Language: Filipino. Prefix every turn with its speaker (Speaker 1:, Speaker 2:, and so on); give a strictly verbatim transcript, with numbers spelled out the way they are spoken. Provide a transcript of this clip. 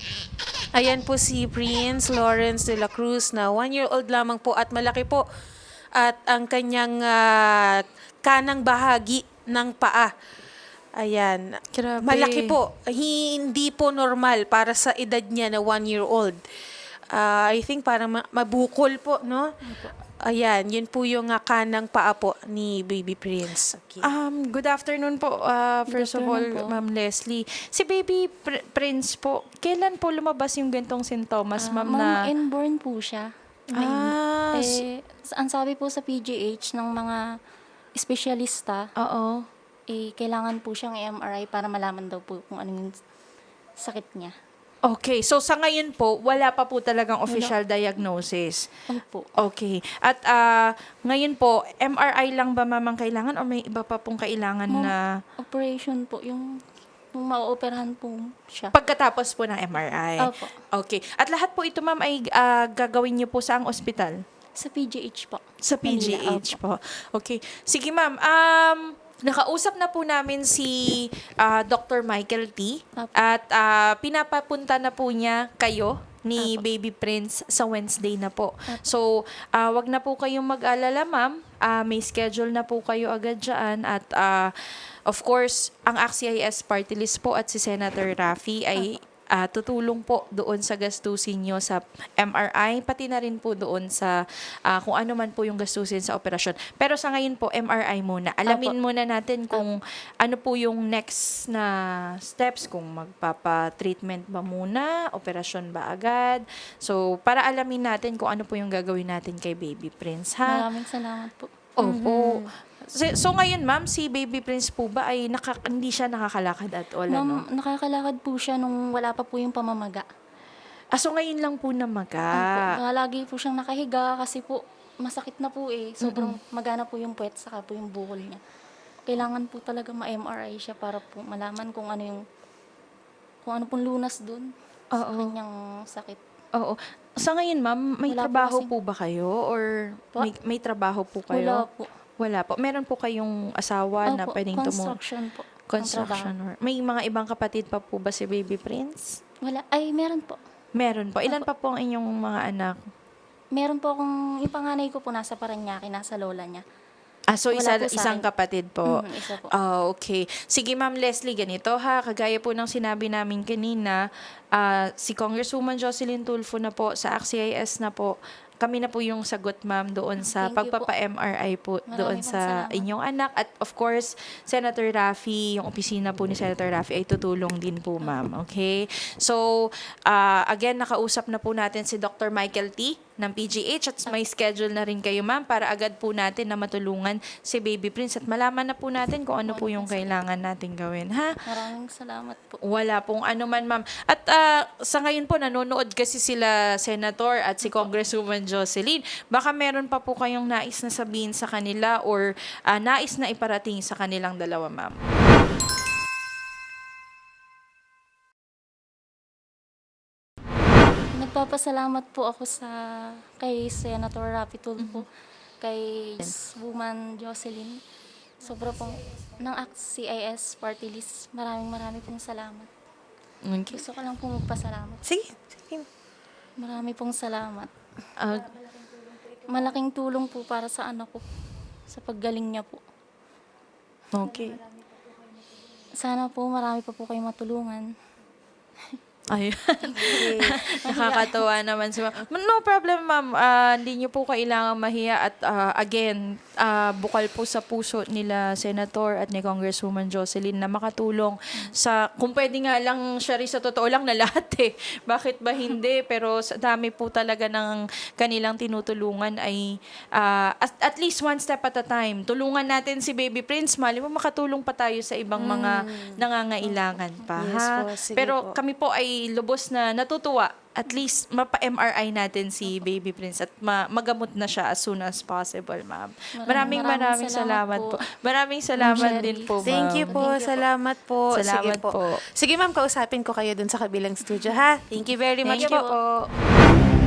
Speaker 1: Ayan po si Prince Lawrence de la Cruz na one-year-old lamang po at malaki po. At ang kanyang ah, kanang bahagi ng paa. Ayan.
Speaker 2: Grabe.
Speaker 1: Malaki po. Hindi po normal para sa edad niya na one-year-old. Ah, I think parang ma- mabukol po, no? Ayan, yun po yung ah, kanang paa po ni Baby Prince. Okay.
Speaker 2: Um, good afternoon po. Uh, first of all,
Speaker 3: afternoon po.
Speaker 2: Ma'am Leslie. Si Baby Pr- Prince po, kailan po lumabas yung gantong sintomas,
Speaker 3: Ah,
Speaker 2: ma'am,
Speaker 3: ma'am,
Speaker 2: na...
Speaker 3: inborn po siya.
Speaker 2: Ah, s-
Speaker 3: Eh, sa- ang sabi po sa P G H ng mga espesyalista,
Speaker 2: oo.
Speaker 3: eh, kailangan po siyang i-M R I para malaman daw po kung ano yung sakit niya.
Speaker 2: Okay, so sa ngayon po, wala pa po talagang official diagnosis.
Speaker 3: Ano po?
Speaker 2: Okay. At ah, ngayon po, M R I lang ba mamang kailangan o may iba pa pong kailangan
Speaker 3: Ma'am,
Speaker 2: na
Speaker 3: Operation po, yung, yung ma-operahan po siya.
Speaker 2: pagkatapos po ng M R I?
Speaker 3: Opo.
Speaker 2: Okay. At lahat po ito, ma'am, ay ah, gagawin niyo po sa ang ospital?
Speaker 3: Sa P G H po.
Speaker 2: Sa P G
Speaker 3: Manila,
Speaker 2: H
Speaker 3: opo.
Speaker 2: po. Okay. Sige, ma'am. Um, nakausap na po namin si ah, Doctor Michael T.
Speaker 3: Opo.
Speaker 2: At ah, pinapapunta na po niya kayo ni
Speaker 3: Opo.
Speaker 2: Baby Prince sa Wednesday na po. So, ah, wag na po kayong mag-alala, ma'am. Ah, may schedule na po kayo agad dyan. At ah, of course, ang A C C I S party list po at si Senator Raffy ay ah, tutulong po doon sa gastusin nyo sa M R I, pati na rin po doon sa ah, kung ano man po yung gastusin sa operasyon. Pero sa ngayon po, M R I muna. Alamin muna natin kung ano po yung next na steps, kung magpapa-treatment ba muna, operasyon ba agad. So, para alamin natin kung ano po yung gagawin natin kay Baby Prince, ha?
Speaker 3: Maraming salamat po.
Speaker 2: Opo. So, so ngayon, ma'am, si Baby Prince po ba ay naka, hindi siya nakakalakad at all, ano?
Speaker 3: Ma'am, nakakalakad po siya nung wala pa po yung pamamaga.
Speaker 2: Ah, so ngayon lang po
Speaker 3: Opo,
Speaker 2: namaga.
Speaker 3: kaya lagi po siyang nakahiga kasi po masakit na po eh. Sobrang magana po yung puwet saka po yung bukol niya. Kailangan po talaga ma-M R I siya para po malaman kung ano yung kung ano pong lunas dun sa
Speaker 2: Oo.
Speaker 3: kanyang sakit.
Speaker 2: Oo. Sa ngayon, ma'am, may
Speaker 3: Wala po
Speaker 2: trabaho
Speaker 3: kasing-
Speaker 2: po ba kayo? Or
Speaker 3: Po?
Speaker 2: may, may trabaho po
Speaker 3: Wala
Speaker 2: kayo?
Speaker 3: po.
Speaker 2: Wala po. Meron po kayong asawa na
Speaker 3: Opo,
Speaker 2: pwedeng tumu...
Speaker 3: construction po. ang
Speaker 2: Construction
Speaker 3: trabaho.
Speaker 2: work. May mga ibang kapatid pa po ba si Baby Prince?
Speaker 3: Wala. Ay, meron po.
Speaker 2: Meron po. Ilan pa po ang inyong mga anak?
Speaker 3: Meron po akong, yung panganay ko po nasa Paranaque, nasa lola niya.
Speaker 2: Ah, so isa,
Speaker 3: Wala po sa
Speaker 2: isang
Speaker 3: akin.
Speaker 2: kapatid po.
Speaker 3: Mhm, isa po.
Speaker 2: Ah, okay. Sige, Ma'am Leslie, ganito ha. Kagaya po ng sinabi namin kanina, ah, si Congresswoman Jocelyn Tulfo na po, sa A C C I S na po, kami na po yung sagot, ma'am, doon sa
Speaker 3: Thank you po.
Speaker 2: pagpapa-M R I po
Speaker 3: Maraming
Speaker 2: doon
Speaker 3: pong
Speaker 2: sa
Speaker 3: salamat.
Speaker 2: inyong anak. At of course, Senator Raffy, yung opisina po ni Senator Raffy ay tutulong din po, ma'am. Okay? So, ah, again, nakausap na po natin si Doctor Michael T. ng P G H at may schedule na rin kayo, ma'am, para agad po natin na matulungan si Baby Prince at malaman na po natin kung ano po yung kailangan natin gawin, ha?
Speaker 3: Maraming salamat po.
Speaker 2: Wala pong ano man, ma'am. At ah, sa ngayon po, nanonood kasi sila Senator at si Congresswoman Jocelyn. Baka meron pa po kayong nais na sabihin sa kanila or ah, nais na iparating sa kanilang dalawa, ma'am.
Speaker 3: Nagpapasalamat po ako sa kay Senator Raffy Tulfo, kay Woman Jocelyn. Sobra pong ng A C C I S party list. Maraming maraming pong salamat.
Speaker 2: Okay.
Speaker 3: Gusto ko lang pong magpasalamat.
Speaker 2: Sige. Sige.
Speaker 3: Marami pong salamat.
Speaker 2: Ah,
Speaker 3: Malaking tulong po para sa anak ko. Sa paggaling niya po.
Speaker 2: okay.
Speaker 3: Sana po marami pa po kayong matulungan.
Speaker 2: Ay, nakakatawa naman si ma'am. No problem, ma'am. Ah, hindi niyo po kailangang mahiya at ah, again, ah, bukal po sa puso nila Senator at ni Congresswoman Jocelyn na makatulong sa, kung pwede nga lang siya rin sa totoo lang na lahat eh. Bakit ba hindi? Pero sa dami po talaga ng kanilang tinutulungan ay ah, at, at least one step at a time. Tulungan natin si Baby Prince. Mali mo makatulong pa tayo sa ibang mga nangangailangan pa.
Speaker 1: Yes
Speaker 2: ha?
Speaker 1: po, sige
Speaker 2: Pero
Speaker 1: po.
Speaker 2: kami po ay lubos na natutuwa. At least mapa-M R I natin si Baby Prince at ma- magamot na siya as soon as possible, ma'am. Maraming
Speaker 3: Maraming
Speaker 2: maraming salamat,
Speaker 3: salamat
Speaker 2: po.
Speaker 3: po.
Speaker 2: Maraming salamat
Speaker 3: Sherry.
Speaker 2: din po, ma'am.
Speaker 1: Thank you po.
Speaker 3: Thank you po.
Speaker 1: Salamat po.
Speaker 2: Salamat
Speaker 1: Sige po.
Speaker 2: po.
Speaker 1: Sige ma'am, kausapin ko kayo dun sa kabilang studio ha. Thank you very much
Speaker 2: Thank you
Speaker 1: po.
Speaker 2: po.